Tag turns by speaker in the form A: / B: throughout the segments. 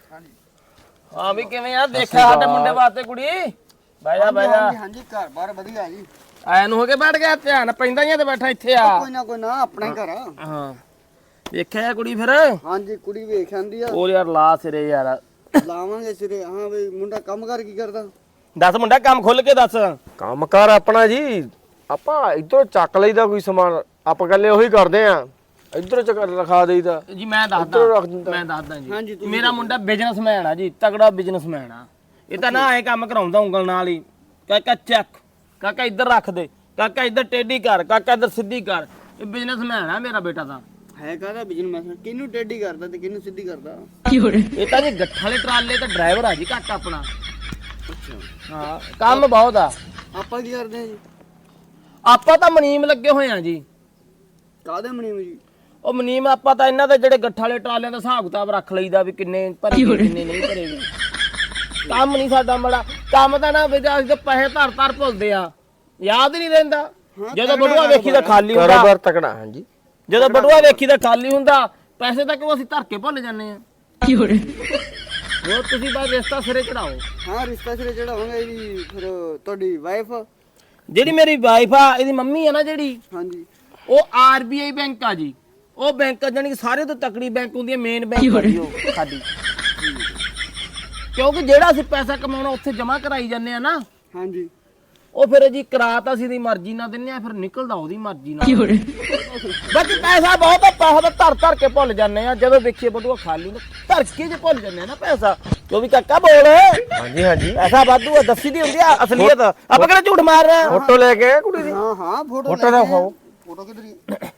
A: ਹਾਂ ਵੀ ਕਿਵੇਂ ਆ ਦੇਖਿਆ ਸਾਡੇ ਮੁੰਡੇ ਵਾਸਤੇ ਕੁੜੀ ਬਹਿ ਜਾ
B: ਹਾਂਜੀ ਘਰ ਬਾਰ ਵਧੀਆ ਜੀ
A: ਆਇਆ ਨੂੰ ਹੋ ਕੇ ਬੈਠ ਗਿਆ ਧਿਆਨ ਪੈਂਦਾ ਹੀ ਆ ਤੇ ਬੈਠਾ ਇੱਥੇ ਆ
B: ਕੋਈ ਨਾ ਆਪਣਾ ਹੀ ਘਰ ਆ
A: ਹਾਂ ਵੇਖਿਆ ਕੁੜੀ ਫਿਰ
B: ਹਾਂਜੀ ਕੁੜੀ ਵੇਖ ਆਂਦੀ ਆ
A: ਉਹ ਯਾਰ ਲਾ ਸਿਰੇ ਯਾਰ
B: ਲਾਵਾਂਗੇ ਸਿਰੇ ਹਾਂ ਬਈ ਮੁੰਡਾ ਕੰਮ ਕਰ ਕੀ ਕਰਦਾ
A: ਦੱਸ ਮੁੰਡਾ ਕੰਮ ਖੁੱਲ ਕੇ ਦੱਸ
C: ਕੰਮ ਕਰ ਆਪਣਾ ਜੀ ਆਪਾਂ ਇਧਰੋਂ ਚੱਕ ਲਈਦਾ ਕੋਈ ਸਮਾਨ ਆਪਾਂ ਕੱਲੇ ਉਹੀ ਕਰਦੇ ਆ ਇਧਰੋਂ ਚੱਕ ਰਖਾ ਦੇਈਦਾ
A: ਜੀ ਮੈਂ
C: ਇੱਧਰੋਂ ਰੱਖ
A: ਦੱਸਦਾ
C: ਦਿੰਦਾ।
A: ਮੈਂ ਦੱਸਦਾ
B: ਹਾਂਜੀ,
A: ਜੀ
B: ਤੁਸੀਂ
A: ਮੇਰਾ ਮੁੰਡਾ ਬਿਜ਼ਨਸਮੈਨ ਆ ਜੀ ਤਗੜਾ ਬਿਜ਼ਨਸਮੈਨ ਆ ਇਹ ਤਾਂ ਨਾ ਐ ਕੰਮ ਕਰਾਉਂਦਾ ਉਂਗਲ ਨਾਲ ਹੀ ਕਾਕਾ ਚੱਕ ਕਾਕਾ ਇੱਧਰ ਰੱਖ ਦੇ ਕਾਕਾ ਇੱਧਰ ਟੇਢੀ ਕਰ ਕਾਕਾ ਇੱਧਰ ਸਿੱਧੀ ਕਰ ਇਹ ਬਿਜ਼ਨਸਮੈਨ ਆ ਮੇਰਾ ਬੇਟਾ ਤਾਂ
B: ਹੈ ਕਾਹਦਾ ਬਿਜ਼ਨਸ ਕਿਹਨੂੰ ਟੇਢੀ ਕਰਦਾ ਤੇ ਕਿਹਨੂੰ ਸਿੱਧੀ ਕਰਦਾ
A: ਇਹ ਤਾਂ ਜੀ ਗੱਠਾਂ ਵਾਲੇ ਟਰਾਲੇ ਤੇ ਡਰਾਈਵਰ ਆ ਜੀ ਕਾਕਾ ਆਪਣਾ ਹਾਂ ਕੰਮ ਬਹੁਤ ਆ
B: ਆਪਾਂ ਕੀ ਕਰਦੇ ਆ ਜੀ
A: ਆਪਾਂ ਤਾਂ ਮਨੀਮ ਲੱਗੇ ਹੋਏ ਆ ਜੀ
B: ਕਾਹਦੇ ਮਨੀਮ ਜੀ
A: ਉਹ ਮਨੀਮ ਆਪਾਂ ਤਾਂ ਇਹਨਾਂ ਦੇ ਜਿਹੜੇ ਗੱਠਾਂ ਵਾਲੇ ਟਰਾਲਿਆਂ ਦਾ ਹਿਸਾਬ ਕਿਤਾਬ ਰੱਖ ਲਈਦਾ ਵੀ ਕਿੰਨੇ ਭਰੇ ਗਏ, ਕਿੰਨੇ ਨਹੀਂ ਭਰੇ ਗਏ। ਕੰਮ ਨਹੀਂ ਸਾਡਾ ਮੜਾ ਕੰਮ ਤਾਂ ਨਾ ਵੀ ਅਸੀਂ ਤਾਂ ਪੈਸੇ ਧਰ ਭੁੱਲਦੇ ਆ ਯਾਦ ਹੀ ਨਹੀਂ ਰਹਿੰਦਾ ਜਦੋਂ ਬਟੂਆ ਵੇਖੀ ਤਾਂ ਖਾਲੀ ਹੁੰਦਾ
C: ਕਾਰੋਬਾਰ ਤਕੜਾ ਹਾਂਜੀ
A: ਜਦੋਂ ਬਟੂਆ ਵੇਖੀ ਤਾਂ ਖਾਲੀ ਹੁੰਦਾ ਪੈਸੇ ਤਾਂ ਕਿਉਂ ਅਸੀਂ ਧਰ ਕੇ ਭੁੱਲ ਜਾਂਦੇ ਆ ਹੋਰ ਤੁਸੀਂ ਬਸ ਰਿਸ਼ਤਾ ਸਿਰੇ ਚੜਾਓ
B: ਹਾਂ ਰਿਸ਼ਤਾ ਸਿਰੇ ਚੜਾਵਾਂਗੇ ਜੀ ਫਿਰ ਤੁਹਾਡੀ ਵਾਈਫ
A: ਜਿਹੜੀ ਮੇਰੀ ਵਾਈਫ ਆ ਇਹਦੀ ਮੰਮੀ ਆ ਨਾ ਜਿਹੜੀ
B: ਹਾਂਜੀ
A: ਉਹ ਆਰਬੀਆਈ ਬੈਂਕ ਆ ਜੀ ਉਹ ਬੈਂਕ ਜਾਨੀ ਕਿ ਸਾਰੇ ਤੋਂ ਤਕੜੀ ਬੈਂਕ ਹੁੰਦੀ ਹੈ ਮੇਨ ਬੈਂਕ ਆ ਜੀ ਉਹ ਸਾਡੀ ਕਿਉਂਕਿ ਜਿਹੜਾ ਅਸੀਂ ਪੈਸਾ ਕਮਾਉਣਾ ਉੱਥੇ ਜਮ੍ਹਾਂ ਕਰਾਈ ਜਾਂਦੇ ਆ ਨਾ
B: ਹਾਂਜੀ
A: ਉਹ ਫਿਰ ਜੀ ਕਰਾਤਾ ਅਸੀਂ ਦੀ ਮਰਜ਼ੀ ਨਾਲ ਦਿੰਨੇ ਆ ਫਿਰ ਨਿਕਲਦਾ ਉਹਦੀ ਮਰਜ਼ੀ ਨਾਲ ਬਾਕੀ ਪੈਸਾ ਬਹੁਤ ਆ ਪੈਸਾ ਤਾਂ ਧਰ ਕੇ ਭੁੱਲ ਜਾਂਦੇ ਆ ਜਦੋਂ ਵੇਖੀਏ ਬਟੂਆ ਖਾਲੀ ਨੂੰ ਧਰ ਕੇ ਜੇ ਭੁੱਲ ਜਾਂਦੇ ਆ ਨਾ ਪੈਸਾ ਜੋ ਵੀ ਕਾਕਾ ਬੋਲ
C: ਹਾਂਜੀ ਹਾਂਜੀ
A: ਪੈਸਾ ਵਾਧੂ ਆ ਦੱਸੀ ਦੀ ਹੁੰਦੀ ਆ ਅਸਲੀਅਤ ਆਪਾਂ ਕਿਹੜਾ ਝੂਠ ਮਾਰ ਰਹੇ ਆ
C: ਫੋਟੋ ਲੈ ਕੇ ਆਏ ਕੁੜੀ ਦੀ
B: ਹਾਂ ਹਾਂ ਫੋਟੋ
C: ਫੋਟੋ ਦਿਖਾਓ
B: ਫੋਟੋ ਕਿਧਰੀ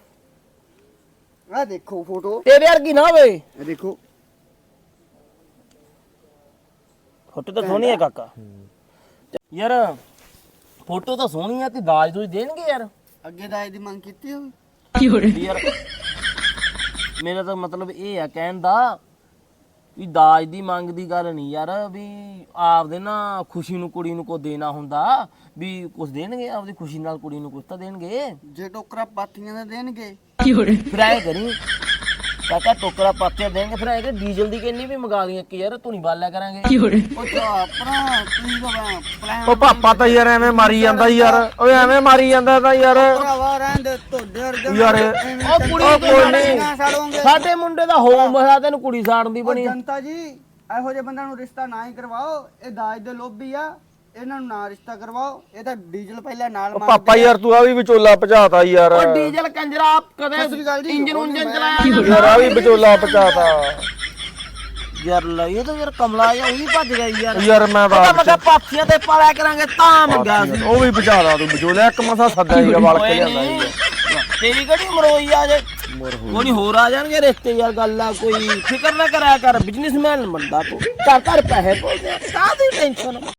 B: ਆ ਦੇਖੋ ਫੋਟੋ
A: ਤੇਰੇ ਵਰਗੀ ਨਾ ਹੋਵੇ
B: ਇਹ ਦੇਖੋ
A: ਫੋਟੋ ਤਾਂ ਸੋਹਣੀ ਹੈ ਕਾਕਾ ਯਾਰ ਫੋਟੋ ਤਾਂ ਸੋਹਣੀ ਆ ਤੇ ਦਾਜ ਦੂਜ ਦੇਣਗੇ ਯਾਰ
B: ਅੱਗੇ ਦਾਜ ਦੀ ਮੰਗ ਕੀਤੀ ਹੋਵੇ
A: ਯਾਰ ਮੇਰਾ ਤਾਂ ਮਤਲਬ ਇਹ ਆ ਕਹਿਣ ਦਾ ਵੀ ਦਾਜ ਦੀ ਮੰਗ ਦੀ ਗੱਲ ਨਹੀਂ ਯਾਰ ਵੀ ਆਪਦੇ ਨਾ ਖੁਸ਼ੀ ਨੂੰ ਕੁੜੀ ਨੂੰ ਕੋ ਦੇਣਾ ਹੁੰਦਾ ਵੀ ਕੁਝ ਦੇਣਗੇ ਆਪਦੀ ਖੁਸ਼ੀ ਨਾਲ ਕੁੜੀ ਨੂੰ ਕੁਝ ਤਾਂ ਦੇਣਗੇ
B: ਜੇ ਟੋਕਰਾ ਪਾਥੀਆਂ ਦਾ ਦੇਣਗੇ
A: ਫਿਰ ਐ ਕਰੀ ਕਾਕਾ ਟੋਕਰਾ ਪਾਤਿਆ ਦੇਣਗੇ ਫਿਰ ਐ ਕਿ ਡੀਜ਼ਲ ਦੀ ਕਿੰਨੀ ਵੀ ਮੰਗਾ ਲਈਏ ਕਿ ਯਾਰ ਧੂਣੀ ਬਾਲਿਆ ਕਰਾਂਗੇ
B: ਉਹ ਤਾਂ ਭਰਾ ਤੁਸੀਂ ਤਾਂ ਪਲਾਨ
C: ਉਹ ਪਾਪਾ ਤਾਂ ਯਾਰ ਐਵੇਂ ਮਾਰੀ ਜਾਂਦਾ ਯਾਰ ਓਏ ਐਵੇਂ ਮਾਰੀ ਜਾਂਦਾ ਤਾਂ ਯਾਰ
B: ਭਰਾਵਾ ਰਹਿੰਦੇ ਤੁਹਾਡੇ ਵਰਗੇ
C: ਯਾਰ
A: ਉਹ ਕੁੜੀ
B: ਕੋਈ ਨਹੀਂ ਸਾੜੋਂਗੇ
A: ਸਾਡੇ ਮੁੰਡੇ ਦਾ ਹੋਮ ਮਸਾ ਤੈਨੂੰ ਕੁੜੀ ਸਾੜਨ ਦੀ ਬਣੀ
B: ਜਨਤਾ ਜੀ ਇਹੋ ਜਿਹੇ ਬੰਦਿਆਂ ਨੂੰ ਰਿਸ਼ਤਾ ਨਾ ਹੀ ਕਰਵਾਓ ਇਹ ਦਾਜ ਦੇ ਲੋਭੀ ਆ ਇਹਨਾਂ ਨੂੰ ਨਾ ਰਿਸ਼ਤਾ ਕਰਵਾਓ ਇਹ ਤਾਂ ਡੀਜ਼ਲ ਪਹਿਲਾਂ ਨਾਲ
C: ਉਹ ਪਾਪਾ ਯਾਰ ਤੂੰ ਆ ਵੀ ਵਿਚੋਲਾ ਭਜਾਤਾ ਯਾਰ
A: ਉਹ ਡੀਜ਼ਲ ਕੰਜਰਾ
B: ਸਤਿ ਸ੍ਰੀ ਅਕਾਲ
A: ਕਦੇ
B: ਜੀ।
A: ਇੰਜਨ ਉਂਜਨ ਚਲਾਇਆ
C: ਯਾਰ ਆ ਵੀ ਵਿਚੋਲਾ ਭਜਾਤਾ
A: ਯਾਰ ਲਈ ਇਹ ਤਾਂ ਯਾਰ ਕਮਲਾ ਜਿਹਾ ਉਹ ਵੀ ਭੱਜ ਗਿਆ ਯਾਰ
C: ਯਾਰ ਮੈਂ
A: ਉਹਦਾ
C: ਬਾਪ
A: ਮਗਾ ਪਾਥੀਆਂ ਤੇ ਪਾਲਿਆ ਕਰਾਂਗੇ ਤਾਂ ਮੰਗਿਆ ਸੀ
C: ਉਹ ਵੀ ਭਜਾਦਾ ਤੂੰ ਵਿਚੋਲਾ ਇੱਕ ਮਸਾ ਸੱਦਾ ਸੀਗਾ ਵਲ ਕੇ ਲਿਆਂਦਾ ਸੀਗਾ
A: ਤੇਰੀ ਕਿਹੜੀ ਮਰੋਈ ਆ ਜੇ ਕੋਈ ਹੋਰ ਆ ਜਾਣਗੇ ਰਿਸ਼ਤੇ ਯਾਰ ਗੱਲ ਆ ਕੋਈ ਫਿਕਰ ਨਾ ਕਰਿਆ ਕਰ ਬਿਜ਼ਨਸਮੈਨ ਬੰਦਾ ਤੂੰ ਘਰ ਘਰ ਪੈਸੇ ਪੋਦੇ ਕਾਹਦੀ ਟੈਨਸ਼ਨ